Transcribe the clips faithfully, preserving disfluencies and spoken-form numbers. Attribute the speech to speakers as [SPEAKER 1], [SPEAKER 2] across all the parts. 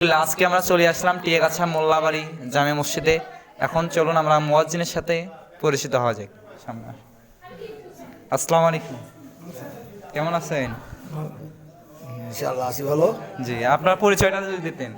[SPEAKER 1] আজকে আমরা চলে আসলাম টিয়াগাছা মোল্লাবাড়ি জামে মসজিদে। এখন চলুন আমরা মুয়াজ্জিনের সাথে পরিচিত হওয়া যাক। সামনে আসুন। আসসালামু আলাইকুম, কেমন আছেন?
[SPEAKER 2] ইনশাআল্লাহ আছি ভালো।
[SPEAKER 1] জি, আপনার পরিচয়টা যদি দিতেন।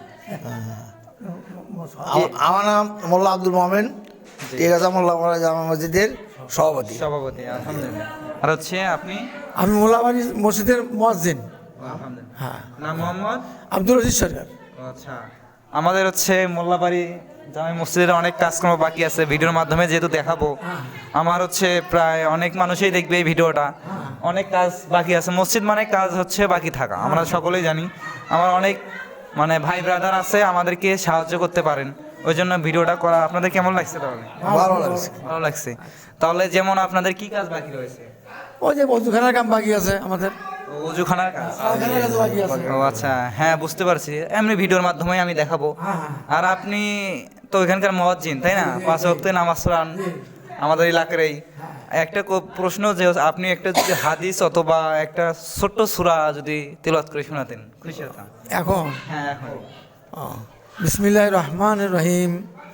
[SPEAKER 2] আ- আমার নাম মোল্লা আব্দুল মোমেন, টিয়াগাছা মোল্লাপাড়া জামা মসজিদের সভাপতি।
[SPEAKER 1] সভাপতি, আলহামদুলিল্লাহ। আর হচ্ছে আপনি?
[SPEAKER 3] আমি মোল্লাবাড়ি মসজিদের মুয়াজ্জিন।
[SPEAKER 1] আলহামদুলিল্লাহ।
[SPEAKER 3] হ্যাঁ,
[SPEAKER 1] নাম মোহাম্মদ
[SPEAKER 3] আব্দুল রশিদ সরকার।
[SPEAKER 1] আচ্ছা, আমাদের হচ্ছে মোল্লাবাড়ি জামে মসজিদের অনেক কাজকর্ম বাকি আছে, ভিডিওর মাধ্যমে যেহেতু দেখাবো। আমার হচ্ছে প্রায় অনেক মানুষই দেখবে এই ভিডিওটা। অনেক কাজ বাকি আছে, মসজিদ মানে কাজ হচ্ছে বাকি থাকা, আমরা সকলেই জানি। আমার অনেক মানে ভাই ব্রাদার আছে, আমাদেরকে সাহায্য করতে পারেন, ওই জন্য ভিডিওটা করা। আপনাদের কেমন লাগছে? তাহলে
[SPEAKER 2] ভালো লাগছে।
[SPEAKER 1] ভালো লাগছে। তাহলে যেমন আপনাদের কি কাজ বাকি রয়েছে?
[SPEAKER 3] ওই যে বধুখানার কাম বাকি আছে আমাদের।
[SPEAKER 1] ওজুখানার কাজ।
[SPEAKER 3] ওখানের কাজ বাকি আছে।
[SPEAKER 1] ও আচ্ছা, হ্যাঁ বুঝতে পারছি, এমনি ভিডিওর মাধ্যমে আমি দেখাবো। আর আপনি তো এখানকার মুয়াজ্জিন, তাই না? পাঁচ ওয়াক্তে নামাজ পড়ান আমাদের এলাকারই। একটা কো- প্রশ্ন, যে আপনি একটা যদি হাদিস অথবা একটা ছোট্ট সূরা যদি তিলাওয়াত করে শোনাতেন, খুশি হতাম।
[SPEAKER 3] এখন
[SPEAKER 1] হ্যাঁ, এখন
[SPEAKER 3] বিসমিল্লাহির রহমানির রহিম।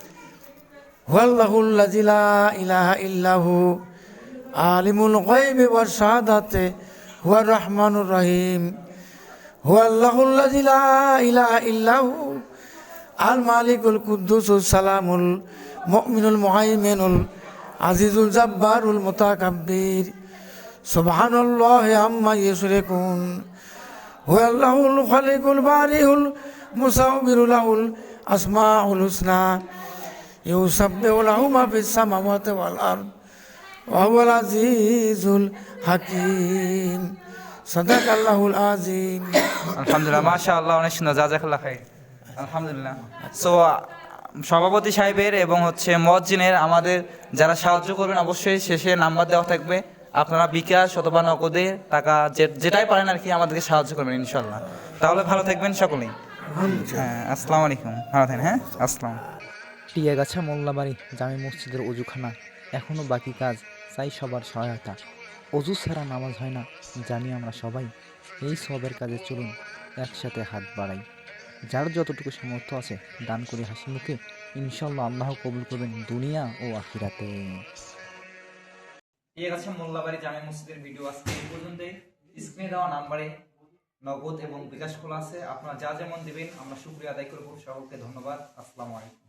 [SPEAKER 3] হুয়াল্লাহুল্লাযী লা ইলাহা ইল্লাহু আলিমুল গায়বি ওয়াশ শাহাদাতি হুয়ার রহমানুর রহিম। হুয়াল্লাহুল্লাযী লা ইলাহা ইল্লাহু আল মালিকুল কুদ্দুসুস সালামুল মুমিনুল মুহাইমিনুল আজিজুল জাব্বারুল মুতাকাব্বির। সুবহানাল্লাহি আম্মা ইউশরিকুন। হুয়াল্লাহুল খালিকুল বারিউল মুসাউবিরু লাহুল আসমাউল হুসনা ইউসাব্বিহু লাহু মা ফিস সামাওয়াতি ওয়াল আরদ ওয়া হুয়াল আজিজুল হাকীম। সাদাকাল্লাহুল আযীম।
[SPEAKER 1] আলহামদুলিল্লাহ, মাশাআল্লাহ, অনেক সুন্দর, জাযাকাল্লাহ খাইর। আলহামদুলিল্লাহ। সো সভাপতি সাহেবের এবং হচ্ছে মুয়াজ্জিনের আমাদের যারা সাহায্য করবেন, অবশ্যই শেষে নাম্বার দেওয়া থাকবে। আপনারা বিকাশ অথবা নগদে টাকা যে- যেটাই পারেন আর কি আমাদেরকে সাহায্য করবেন ইনশাল্লাহ। তাহলে ভালো থাকবেন সকলেই। হ্যাঁ, আসসালামু আলাইকুম, ভালো থাকেন। হ্যাঁ, আসসালাম।
[SPEAKER 4] টিয়াগাছা মোল্লাবাড়ি জামে মসজিদের অজুখানা এখনও বাকি কাজ, চাই সবার সহায়তা। অজু ছাড়া নামাজ হয় না, জানি আমরা সবাই। এই সবের কাজে চলুন একসাথে হাত বাড়াই। যার যতটুকু সামর্থ্য আছে দান করে হাসি মুখে, ইনশাল্লাহ আল্লাহ কবুল করবেন দুনিয়া ও আখিরাতে।
[SPEAKER 1] ঠিক আছে, মোল্লাবাড়ি জামে মসজিদের ভিডিও আজকে এই পর্যন্তই। স্ক্রিনে দেওয়া নাম্বারে নগদ এবং বিকাশ খোলা আছে, আপনারা যা যেমন দিবেন আমরা শুকরিয়া আদায় করব। সকলকে ধন্যবাদ। আসসালামু আলাইকুম।